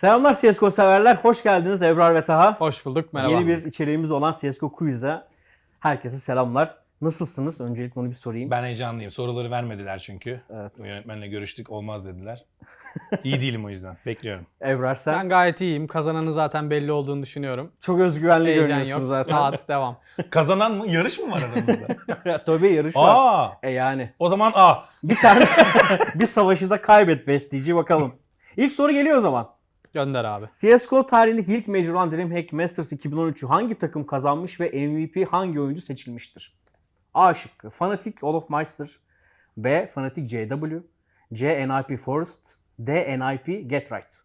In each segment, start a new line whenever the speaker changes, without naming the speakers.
Selamlar CSGO severler. Hoş geldiniz Ebrar ve Taha.
Hoş bulduk, merhaba.
Yeni bir içeriğimiz olan CSGO Quiz'e herkese selamlar. Nasılsınız? Öncelikle onu bir sorayım.
Ben heyecanlıyım. Soruları vermediler çünkü.
Evet.
Yönetmenle görüştük, olmaz dediler. İyi değilim o yüzden. Bekliyorum.
Ebrar sen
Ben gayet iyiyim. Kazananı zaten belli olduğunu düşünüyorum.
çok özgüvenli
Heyecan
görünüyorsun
yok.
zaten.
Rahat, devam.
Kazanan mı? Yarış mı var aramızda?
Tabii yarış var.
Aa!
Yani.
O zaman A.
Bir tane bir savaşı da kaybet besteci bakalım. İlk soru geliyor o zaman.
Gönder abi.
CSGO tarihindeki ilk Major olan DreamHack Masters 2013'ü hangi takım kazanmış ve MVP hangi oyuncu seçilmiştir? A şıkkı Fnatic Olofmeister, B Fnatic JW, C NIP Forest, D NIP Get Right.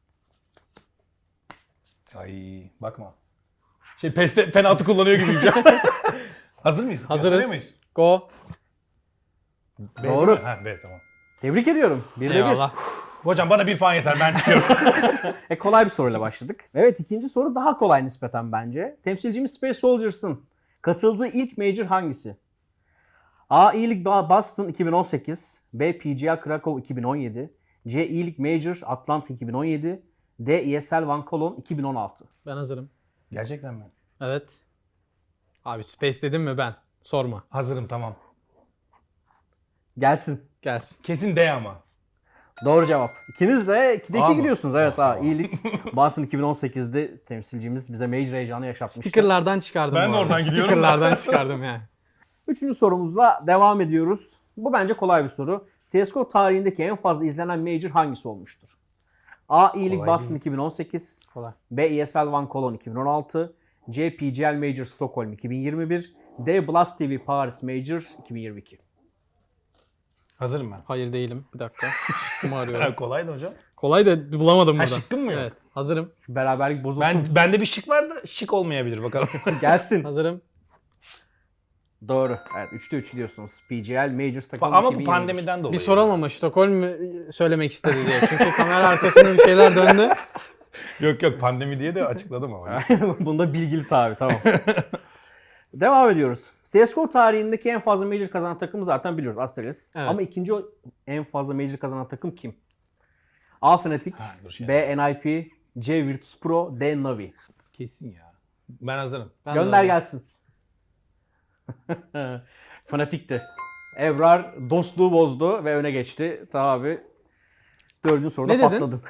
Ay bakma. PES'te penaltı kullanıyor gibiyim şu an. Hazır mıyız? Gösteriyor
Hazırız.
muyuz?
Go.
B
Doğru.
değil mi? Ha B tamam.
Tebrik ediyorum. 1'de 1.
Eyvallah.
Hocam bana 1 puan yeter, ben çıkıyorum.
Kolay bir soruyla başladık. Evet, ikinci soru daha kolay nispeten bence. Temsilcimiz Space Soldiers'ın katıldığı ilk Major hangisi? A. E-League Boston 2018, B. PGA Krakow 2017, C. E-League Major Atlanta 2017, D. ESL Van Cologne 2016.
Ben hazırım.
Gerçekten mi?
Evet. Abi Space dedim mi ben? Sorma.
Hazırım tamam.
Gelsin.
Gelsin.
Kesin D ama.
Doğru cevap. İkiniz de 2'de 2
A mı?
gidiyorsunuz. Evet,
Tamam.
E-League Boston 2018'de temsilcimiz bize Major heyecanı yaşatmıştı.
Stickerlardan çıkardım
Ben
bu
de
arada.
oradan gidiyorum.
Stickerlardan çıkardım yani.
Üçüncü sorumuzla devam ediyoruz. Bu bence kolay bir soru. CSGO tarihindeki en fazla izlenen Major hangisi olmuştur? A. E-League
Kolay
Boston
değil.
2018,
Kolay.
B. ESL Van Cologne 2016, C. PGL Major Stockholm 2021, D. Blast TV Paris Major 2022.
Hazırım ben.
Hayır değilim. Bir dakika. Şıkkımı arıyorum.
Kolaydı hocam.
Kolay da bulamadım
Ha,
burada.
şıkkın mı yok?
Evet. Hazırım.
Şu beraberlik bozulsun.
Bende bir şık var da şık olmayabilir bakalım.
Gelsin.
Hazırım.
Doğru. Evet, 3'te 3 diyorsunuz. PGL Major Stockholm
Ama bu
2021.
pandemiden dolayı.
Bir soralım ama Stockholm mü söylemek istedi diye. Çünkü kamera arkasında bir şeyler döndü.
Yok pandemi diye de açıkladım ama.
Bunda bilgili tabi, tamam. Devam ediyoruz. CSGO tarihindeki en fazla Major kazanan takımı zaten biliyoruz, Astralis.
Evet.
Ama ikinci en fazla Major kazanan takım kim? A. Fnatic,
Ha, dur şey
B. NIP, C. Virtus Pro, D. Navi.
Kesin ya. Ben hazırım.
Ben de
Gönder
öyle.
gelsin. Fnatic'ti. Ebrar dostluğu bozdu ve öne geçti. Tabi abi dördüncü soruda
Ne dedin?
patladın.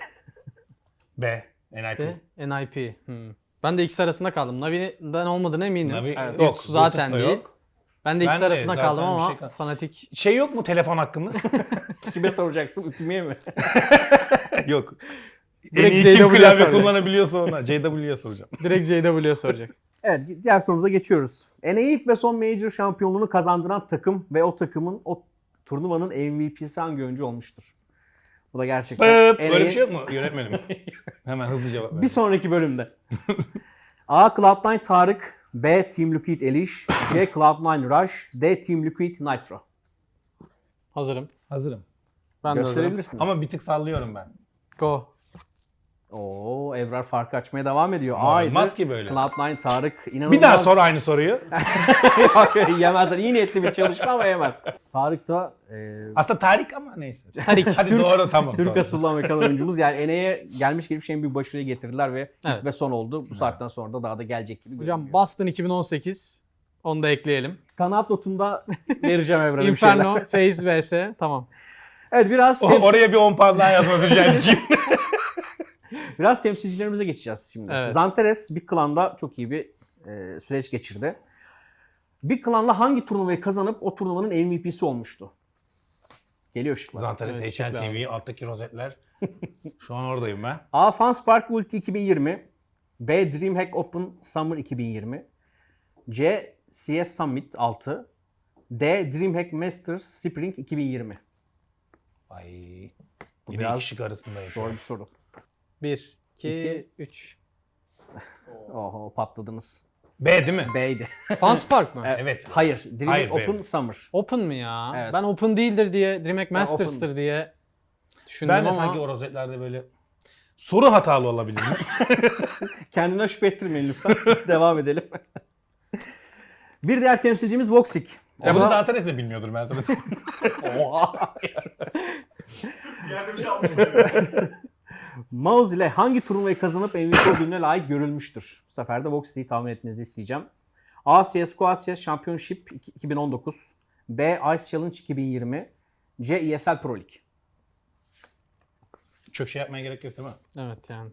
B. NIP.
Ve NIP. Ben de ikisi arasında kaldım. Navi'den olmadığına eminim.
Navi
Evet,
yok.
Virtus zaten
Virtus da
değil.
yok.
Ben de ikisi
Ben de
arasında
zaten
kaldım
bir
ama
şey kal-
fanatik.
Şey yok mu telefon hakkımız?
Kime soracaksın? Ütümeye mi?
Yok. En
Direkt
iyi kim
JW'ye
klavye
soracak.
kullanabiliyorsa ona. JW'ye soracağım.
Direkt JW'ye soracak.
Evet, diğer sorumuza geçiyoruz. NA ilk ve son Major şampiyonluğunu kazandıran takım ve o takımın o turnuvanın MVP'si hangi oyuncu olmuştur? Bu da gerçekten
Öyle bir şey yok mu yönetmenim? Hemen hızlı cevap ver.
bir sonraki bölümde. A. Cloud9 Tarık, B. Team Liquid Elish, C. Cloud9 Rush, D. Team Liquid Nitro.
Hazırım.
Hazırım.
Ben de hazırım.
Gösterebilirsiniz.
Ama bir tık sallıyorum ben.
Go.
Oo, Ebrar farkı açmaya devam ediyor.
Ama
A'ydı.
olmaz ki böyle.
Cloud9 Tarık inanılmaz.
Bir daha sor aynı soruyu.
Yemezler. İyi niyetli bir çalışma ama yemez. Tarık da
Aslında Tarık ama neyse.
Tarik.
Hadi doğru tamam.
Türk
doğru.
asıllı Amerikan oyuncumuz. Yani NA'ye gelmiş geçmiş en büyük başarıyı getirdiler ve ilk
Evet.
ve son oldu. Bu saatten sonra da daha da gelecek gibi
Hocam
görünüyor.
Boston 2018. Onu da ekleyelim.
Kanaat notunda vereceğim Evren'e bir şeyler.
Inferno, FaZe vs. Tamam.
Evet, biraz
Oraya bir 10 puan daha yazması rica edeceğim.
biraz temsilcilerimize geçeceğiz şimdi.
Evet.
Zanteres Big Clan'da çok iyi bir süreç geçirdi. Big Clan'la hangi turnuvayı kazanıp o turnuvanın MVP'si olmuştu? Geliyor şıklar.
Zantares
Evet,
HN
şıklı
TV alttaki rozetler. Şu an oradayım ben.
A. Fanspark Ulti 2020, B. DreamHack Open Summer 2020, C. CS Summit 6, D. DreamHack Masters Spring 2020.
Ay.
Bu
Yine
biraz
iki şık arasındayım.
Zor bir soru.
1, 2,
İki.
3.
Oho, patladınız.
B değil mi?
B'ydi.
Fanspark mı?
Evet.
Hayır, DreamHack
Hayır,
Open
B.
Summer.
Open mı ya?
Evet.
Ben Open değildir diye, DreamHack
Ben
Masters'tır diye düşündüm
Ben de
ama
sanki o rozetlerde böyle soru hatalı olabilir mi?
Kendine şüphe ettirmeyin lütfen. Devam edelim. Bir diğer temsilcimiz Voxic.
Ya bunu
Ona-
Zantares de bilmiyordur ben sana söyleyeyim.
Oha.
Bir yerde bir şey almış.
Mouse ile hangi turnuvayı kazanıp MVP ödülüne layık görülmüştür? Bu sefer de Voxy'yi tahmin etmenizi isteyeceğim. A. CSGO Asya Championship 2019. B. Ice Challenge 2020. C. ESL Pro League.
Çok şey yapmaya gerek yok değil mi?
Evet yani.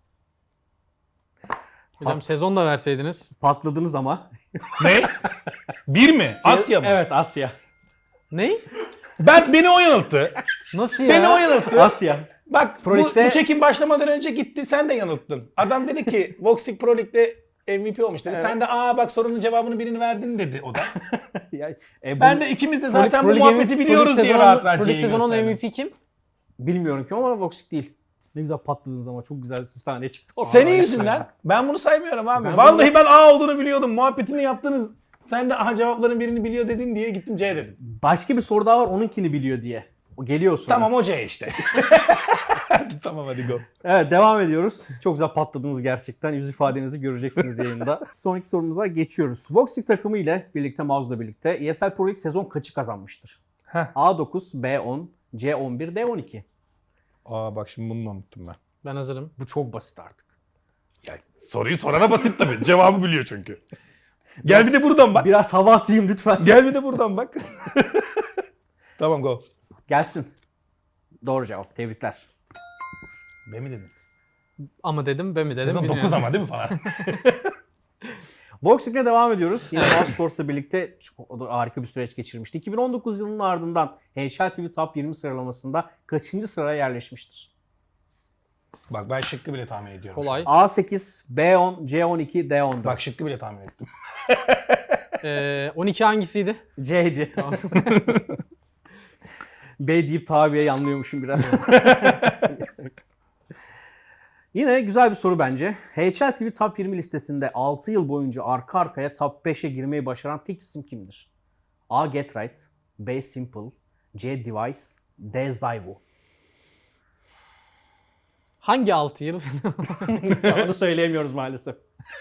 Hocam sezon da verseydiniz.
Patladınız ama.
Ne? Bir mi? Asya mı?
Evet, Asya.
Ne?
Beni o yanılttı.
Nasıl ya?
Beni o yanılttı.
Asya.
Bak
Pro
bu
Lig'de-
çekim başlamadan önce gitti sen de yanılttın. Adam dedi ki Voxic Pro Lig'de MVP olmuş dedi.
Evet.
Sen de bak sorunun cevabını birini verdin dedi o da.
Ya,
Ben de ikimiz de zaten
Pro
bu
Lig
muhabbeti biliyoruz diye rahat rahat
Pro Lig
C'yi
sezonun
gösterdim.
MVP kim?
bilmiyorum ki ama Voxic değil. Ne güzel patladınız ama çok güzel bir tane çıktı.
Senin yüzünden ben bunu saymıyorum abi.
Ben
Vallahi ben A olduğunu biliyordum. Muhabbetini yaptınız. Sen de cevapların birini biliyor dedin diye gittim C dedim.
Başka bir soru daha var onunkini biliyor diye. O geliyor sonra.
Tamam o C işte. Tamam hadi go.
Evet, devam ediyoruz. Çok güzel patladınız gerçekten. Yüz ifadenizi göreceksiniz yayında. Sonraki sorumuza geçiyoruz. Voxic takımı ile birlikte, Mouse'la birlikte ESL Pro League sezon kaçı kazanmıştır?
Heh.
A9, B10, C11, D12.
Bak şimdi bunu unuttum ben.
Ben hazırım.
Bu çok basit artık.
Ya, soruyu sorana basit tabii. Cevabı biliyor çünkü. Gel bir de buradan bak.
Biraz hava atayım lütfen.
Gel bir de buradan bak. Tamam go.
Gelsin. Doğru cevap. Tebrikler.
B mi dedin?
Ama dedim, ben mi dedim
Sezon
bilmiyorum.
9 ama değil mi falan?
Voxic'le devam ediyoruz. Yine Mousesports'la birlikte o da harika bir süreç geçirmişti. 2019 yılının ardından NHL TV Top 20 sıralamasında kaçıncı sıraya yerleşmiştir?
Bak ben şıkkı bile tahmin ediyorum.
Kolay.
A8, B10, C12, D14.
Bak şıkkı bile tahmin ettim.
12 hangisiydi?
C'ydi.
Tamam.
B deyip tabiye yanlıyormuşum biraz. Yine güzel bir soru bence. HL TV Top 20 listesinde 6 yıl boyunca arka arkaya Top 5'e girmeyi başaran tek isim kimdir? A. Getright, B. Simple, C. Device, D. Zyvo.
Hangi 6 yıl?
Onu söyleyemiyoruz maalesef.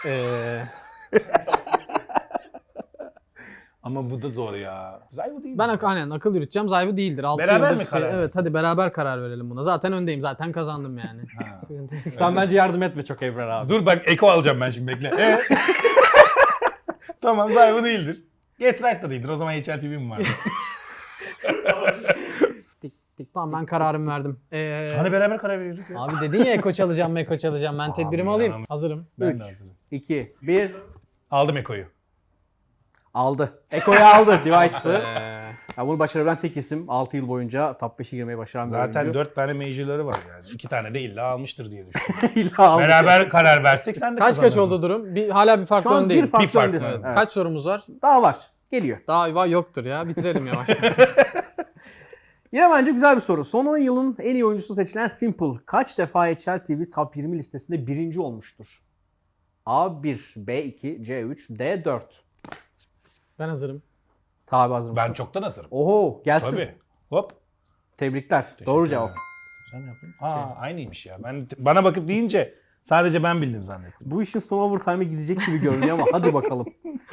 Ama bu da zor ya. Zyvo değil
Ben
mi?
aynen akıl yürüteceğim. Zyvo değildir. 6
Beraber
yıldır
mi karar
Evet
versin?
hadi beraber karar verelim buna. Zaten öndeyim. Zaten kazandım yani. Sıkıntı yok.
Sen bence yardım etme çok Ebrar abi.
Dur bak eko alacağım ben şimdi bekle. Tamam Zyvo değildir. Get Right da değildir. O zaman HL TV mi var?
Tamam ben kararımı verdim.
Hani beraber karar veriyorduk ya.
Abi dedin ya eko çalacağım, meko çalacağım. Ben tedbirimi
ya.
alayım. Hazırım.
Ben
3,
de hazırım.
2, 1.
Aldım ekoyu.
Aldı. Eko'yu aldı. Device'dı.
Ee,
Ya bunu başarabilen tek isim. 6 yıl boyunca Top 5'e girmeyi başaran bir
Zaten
oyuncu.
4 tane major'ları var yani. 2 tane de illa almıştır diye düşünüyorum.
İlla aldı.
Beraber karar versek sen de
kaç
kazanırdın.
oldu durum? Hala bir farklı
Şu an
öndeyim.
bir farklı
Bir fark
öndesin.
var.
Evet.
Kaç sorumuz var?
Daha var. Geliyor.
Daha yoktur ya. Bitirelim yavaştan.
Yine bence güzel bir soru. Son 10 yılın en iyi oyuncusu seçilen Simple kaç defa HL TV Top 20 listesinde birinci olmuştur? A1, B2, C3, D4.
Ben hazırım.
Tabi hazır mısın?
Ben çoktan hazırım.
Oho gelsin.
Tabii. Hop.
Tebrikler.
Teşekkür
Doğru
ederim.
cevap.
Sen ne yaptın? Aynıymış ya. Bana bakıp deyince sadece ben bildim zannettim.
Bu işin son overtime'e gidecek gibi görünüyor ama hadi bakalım.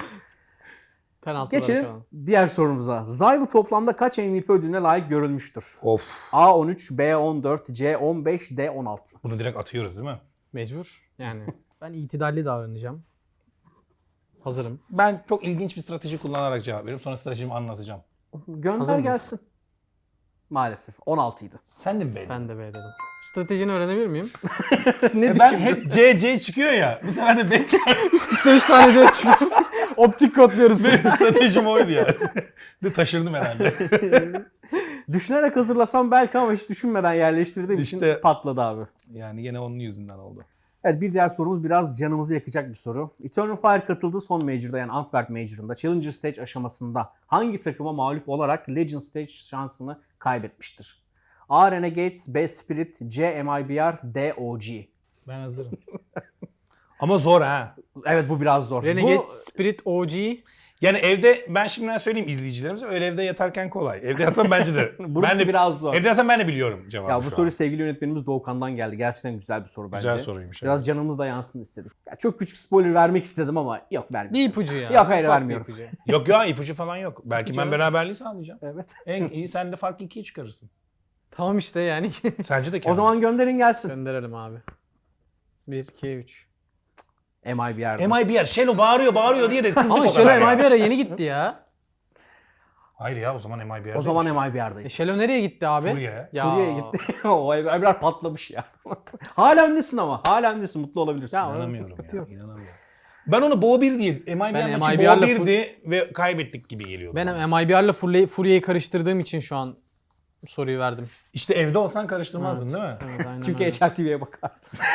Penaltılara
Geçelim
kalalım.
diğer sorumuza. Zyvo toplamda kaç MVP ödülüne layık görülmüştür?
Of.
A13, B14, C15, D16.
Bunu direkt atıyoruz değil mi?
Mecbur. Yani. Ben itidalli davranacağım. Hazırım.
Ben çok ilginç bir strateji kullanarak cevap veriyorum. Sonra stratejimi anlatacağım.
Gönder
Hazır mıyız?
gelsin. Maalesef 16 idi.
Sen de mi beğendin?
Ben de B dedim. Stratejini öğrenebilir miyim?
Ne
Ben
düşündün?
hep C çıkıyor ya. Bu sefer de B çıkıyor.
Üst üste 3 tane C çıkıyor. Optik kodluyoruz.
Benim stratejim oydu ya. De taşırdım herhalde.
Düşünerek hazırlasam belki ama hiç düşünmeden yerleştirdiğim için
İşte-
patladı abi.
Yani yine onun yüzünden oldu.
Evet, bir diğer sorumuz biraz canımızı yakacak bir soru. Eternal Fire katıldığı son Major'da, yani Antwerp Major'ında Challenger Stage aşamasında hangi takıma mağlup olarak Legend Stage şansını kaybetmiştir? A. Renegades, B. Spirit, C. MIBR, D. OG.
Ben hazırım. Ama zor ha.
Evet, bu biraz zor.
Renegade,
Bu,
Spirit, OG.
Yani evde ben şimdiden söyleyeyim izleyicilerimize öyle evde yatarken kolay. Evde yatsam bence de.
burası
ben de
biraz zor.
Evde yatsam ben de biliyorum cevabı.
Ya bu
şu
soru
an.
sevgili yönetmenimiz Doğukan'dan geldi. Gerçekten güzel bir soru bence.
Güzel soruymuş.
Biraz canımız da yansın istedik. Ya çok küçük spoiler vermek istedim ama yok, vermiyorum.
Bir ipucu ya.
Yok, hayır,
Ufak bir
vermiyorum.
ipucu.
Yok ya ipucu falan yok. Belki ben
Canım.
beraberliği sağlayacağım.
Evet.
En iyi sen de farkı 2'ye çıkarırsın.
Tamam işte yani.
Sence de
O
Kenan.
zaman gönderin gelsin.
Gönderelim abi. 1, 2, 3.
MI bir yerde.
MI bir yer. Şelo bağırıyor diye de kızdık
Ama
o
Şelo
kadar ya.
MI bir ara yeni gitti ya.
Hayır ya o zaman MI bir yer.
O zaman MI bir yerdeydi.
Şelo nereye gitti abi?
Suriye'ye.
Ya.
Suriye'ye gitti. O Ebrar patlamış ya. Hala öndesin ama. Hala öndesin. Mutlu olabilirsin.
Ya,
İnanamıyorum
sıkıntı
ya.
yok.
İnanamıyorum. Ben onu Bo 1 diye, MI bir
Ben
yer maçı
MI
Bo
bir yerle
1'di ve kaybettik gibi geliyordu.
Ben
bana.
MIBR'la Furia'yı karıştırdığım için şu an soruyu verdim.
İşte evde olsan karıştırmazdın değil mi?
Evet, aynen
Çünkü
öyle.
HLTV'ye bakardın.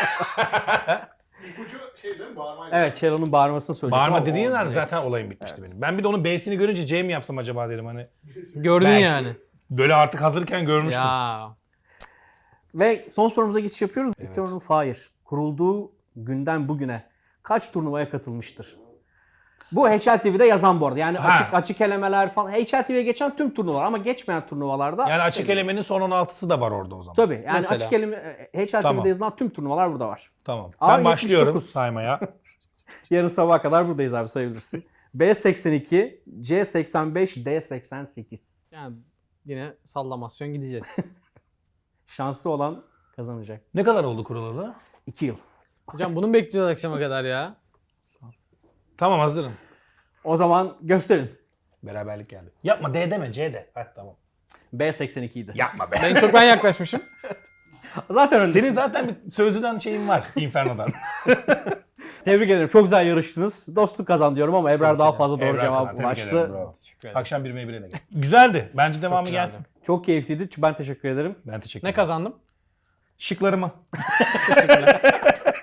İpucu şey değil mi? Bağırmayla.
Evet, Çelo'nun bağırmasını söyleyecek.
Bağırma
ama
dediğin
o
an
direkt-
zaten olayım bitmişti benim. Ben bir de onun B'sini görünce C mi yapsam acaba dedim hani.
Gördün
Belki.
yani.
Böyle artık hazırken görmüştüm.
Ya.
Ve son sorumuza geçiş yapıyoruz. Eternal Fire kurulduğu günden bugüne kaç turnuvaya katılmıştır? Bu HLTV'de yazan bu arada. Yani
Ha.
açık elemeler falan. HLTV'ye geçen tüm turnuvalar ama geçmeyen turnuvalarda.
Yani açık elemenin son 16'sı da var orada o zaman.
Tabii. Yani
Mesela.
açık eleme HLTV'de
Tamam.
yazılan tüm turnuvalar burada var.
Tamam.
A,
Ben başlıyorum
79.
saymaya.
Yarın sabaha kadar buradayız abi, sayabilirsin. B82, C85, D88.
Yani yine sallamasyon gideceğiz.
Şanslı olan kazanacak.
Ne kadar oldu kurulalı?
2 yıl.
Hocam bunu mu bekleyeceğiz akşama kadar ya?
Tamam hazırım.
O zaman gösterin.
Beraberlik geldi. Yapma D deme C de. Heh, tamam.
B82 idi.
Yapma be.
En çok ben yaklaşmışım.
Zaten öndesin.
Senin zaten bir sözlüden şeyin var Inferno'dan.
Tebrik ederim. Çok güzel yarıştınız. Dostluk kazan diyorum ama Ebrar daha fazla doğru
Ebrar
cevap
kazandı. Tebrik ederim,
ulaştı.
bravo.
Teşekkür ederim.
Akşam 1'e 1'e gel. Güzeldi. Bence devamı
güzeldi.
gelsin.
Çok keyifliydi. Ben teşekkür ederim.
Ben teşekkür
Ne
ederim.
kazandım?
Şıklarımı.
Teşekkürler.